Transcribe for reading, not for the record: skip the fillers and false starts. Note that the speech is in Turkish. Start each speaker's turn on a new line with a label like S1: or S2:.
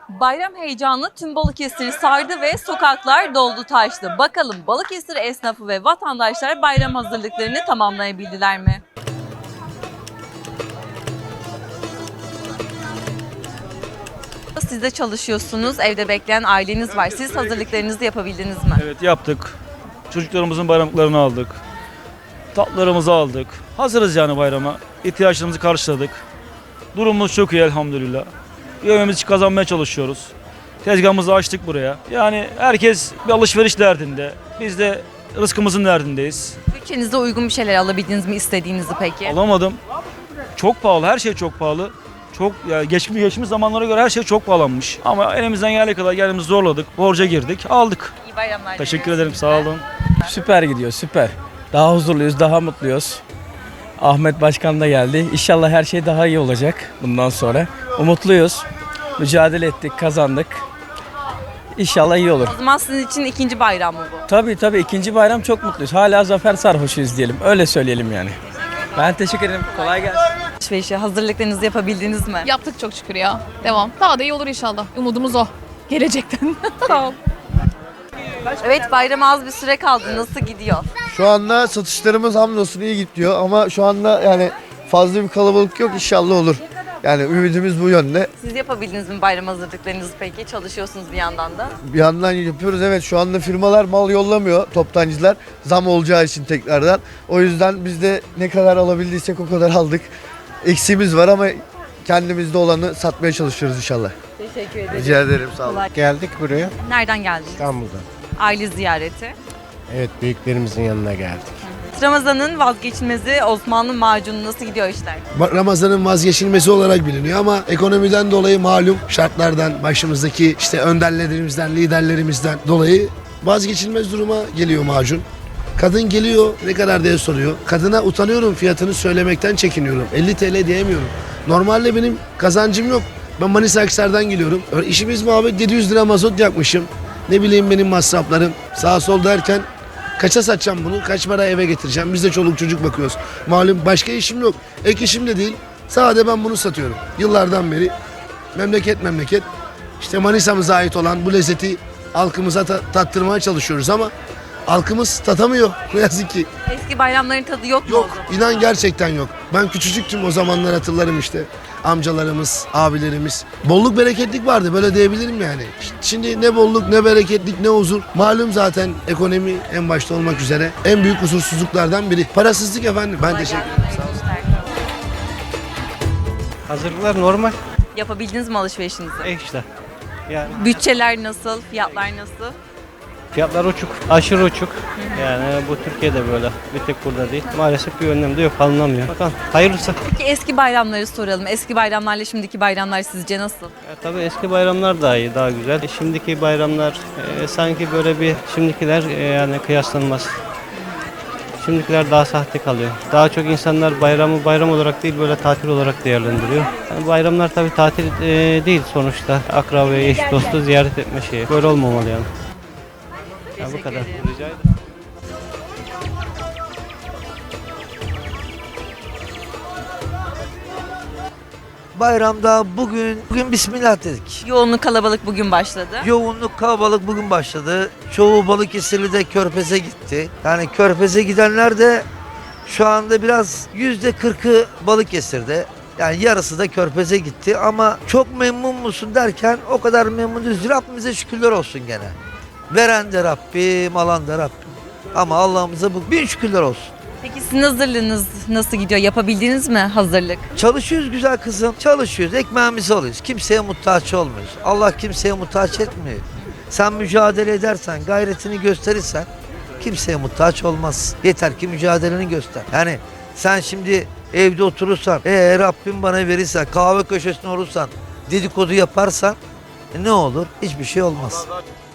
S1: Bayram heyecanı tüm Balıkesir'i sardı ve sokaklar doldu taştı. Bakalım Balıkesir esnafı ve vatandaşlar bayram hazırlıklarını tamamlayabildiler mi? Siz de çalışıyorsunuz, evde bekleyen aileniz var. Siz hazırlıklarınızı yapabildiniz mi?
S2: Evet yaptık. Çocuklarımızın bayramlıklarını aldık. Tatlılarımızı aldık. Hazırız yani bayrama. İhtiyaçlarımızı karşıladık. Durumumuz çok iyi elhamdülillah. Yemeğimizi kazanmaya çalışıyoruz. Tezgahımızı açtık buraya. Yani herkes bir alışveriş derdinde. Biz de rızkımızın derdindeyiz.
S1: Bütçenize uygun bir şeyler alabildiniz mi istediğinizi peki?
S2: Alamadım. Çok pahalı, her şey çok pahalı. Çok ya geçmiş zamanlara göre her şey çok pahalanmış. Ama elimizden geldiği kadar kendimizi zorladık. Borca girdik, aldık.
S1: İyi bayramlar.
S2: Teşekkür ederim, sağ olun.
S3: Süper gidiyor, süper. Daha huzurluyuz, daha mutluyuz. Ahmet Başkan da geldi. İnşallah her şey daha iyi olacak bundan sonra. Umutluyuz. Mücadele ettik, kazandık. İnşallah iyi olur.
S1: O zaman sizin için ikinci bayram mı bu?
S3: Tabii ikinci bayram çok mutluyuz. Hala zafer sarhoşuyuz diyelim. Öyle söyleyelim yani. Ben teşekkür ederim. Kolay gelsin.
S1: Alışverişe hazırlıklarınızı yapabildiniz mi?
S4: Yaptık çok şükür ya. Devam. Daha da iyi olur inşallah. Umudumuz o. Gelecekten. Sağ ol.
S1: Evet, bayrama az bir süre kaldı. Nasıl gidiyor?
S5: Şu anda satışlarımız hamdolsun iyi gidiyor ama şu anda yani fazla bir kalabalık yok, inşallah olur. Yani ümidimiz bu yönde.
S1: Siz yapabildiniz mi bayram hazırlıklarınızı peki? Çalışıyorsunuz bir yandan da.
S5: Bir yandan yapıyoruz, evet, şu anda firmalar mal yollamıyor, toptancılar zam olacağı için tekrardan. O yüzden biz de ne kadar alabildiysek o kadar aldık. Eksiğimiz var ama kendimizde olanı satmaya çalışıyoruz inşallah.
S1: Teşekkür ederim.
S5: Rica ederim, sağ olun.
S1: Kolay.
S6: Geldik buraya
S1: Nereden geldiniz?
S6: İstanbul'dan.
S1: Aile ziyareti.
S6: Evet, büyüklerimizin yanına geldik.
S1: Ramazan'ın vazgeçilmezi Osmanlı macunu, nasıl gidiyor işler?
S7: Ramazan'ın vazgeçilmesi olarak biliniyor ama ekonomiden dolayı malum şartlardan, başımızdaki işte önderlerimizden, liderlerimizden dolayı vazgeçilmez duruma geliyor macun. Kadın geliyor ne kadar diye soruyor. Kadına utanıyorum, fiyatını söylemekten çekiniyorum. 50 TL diyemiyorum. Normalde benim kazancım yok. Ben Manisa Akhisar'dan geliyorum. İşimiz muhabbet 700 lira mazot yakmışım. Ne bileyim benim masraflarım sağ sol derken kaça satacağım bunu? Kaç para eve getireceğim? Biz de çoluk çocuk bakıyoruz. Malum başka işim yok. Ek işim de değil. Sadece ben bunu satıyorum. Yıllardan beri memleket. İşte Manisa'mıza ait olan bu lezzeti halkımıza tattırmaya çalışıyoruz ama halkımız tatamıyor. Ne yazık ki.
S1: Eski bayramların tadı yok mu?
S7: Yok. İnan gerçekten yok. Ben küçücüktüm, o zamanlar hatırlarım işte. Amcalarımız, abilerimiz. Bolluk bereketlik vardı, böyle diyebilirim yani. Şimdi ne bolluk, ne bereketlik, ne huzur. Malum zaten ekonomi en başta olmak üzere en büyük huzursuzluklardan biri. Parasızlık efendim. Ben teşekkür ederim.
S6: Hazırlıklar normal.
S1: Yapabildiniz mi alışverişinizi?
S6: İşte. Yani
S1: Bütçeler nasıl? Fiyatlar nasıl?
S6: fiyatlar uçuk, aşırı uçuk. Yani bu Türkiye'de böyle, bir tek burada değil. Maalesef bir önlem de yok, alınamıyor. Bakalım, hayırlısı.
S1: Peki eski bayramları soralım. Eski bayramlarla şimdiki bayramlar sizce nasıl?
S6: Ya, tabii eski bayramlar daha iyi, daha güzel. Şimdiki bayramlar sanki böyle bir, şimdikiler yani kıyaslanmaz. Şimdikiler daha sahte kalıyor. Daha çok insanlar bayramı bayram olarak değil, böyle tatil olarak değerlendiriyor. Yani bayramlar tabii tatil değil sonuçta. Akrabayı, eş dostu ziyaret etme şeyi. Böyle olmamalı yani. Ya bu kadar. Rica ederim.
S8: Bayramda bugün Bismillah dedik.
S1: Yoğunluk kalabalık bugün başladı.
S8: Yoğunluk kalabalık bugün başladı. Çoğu Balıkesirli de Körfez'e gitti. Yani Körfez'e gidenler de şu anda biraz %40'ı Balıkesir'de. Yani yarısı da Körfez'e gitti ama çok memnun musun derken o kadar memnun değiliz. Rabbimize şükürler olsun gene. Veren de Rabbim, alan da Rabbim. Ama Allah'ımıza bin şükürler olsun.
S1: Peki sizin hazırlığınız nasıl gidiyor? Yapabildiniz mi hazırlık?
S8: Çalışıyoruz güzel kızım. Çalışıyoruz. Ekmeğimizi alıyoruz. Kimseye muhtaç olmuyoruz. Allah kimseye muhtaç etmiyor. Sen mücadele edersen, gayretini gösterirsen kimseye muhtaç olmaz. Yeter ki mücadeleni göster. Yani sen şimdi evde oturursan, Rabbim bana verirse, kahve köşesinde olursan, dedikodu yaparsan ne olur? Hiçbir şey olmaz.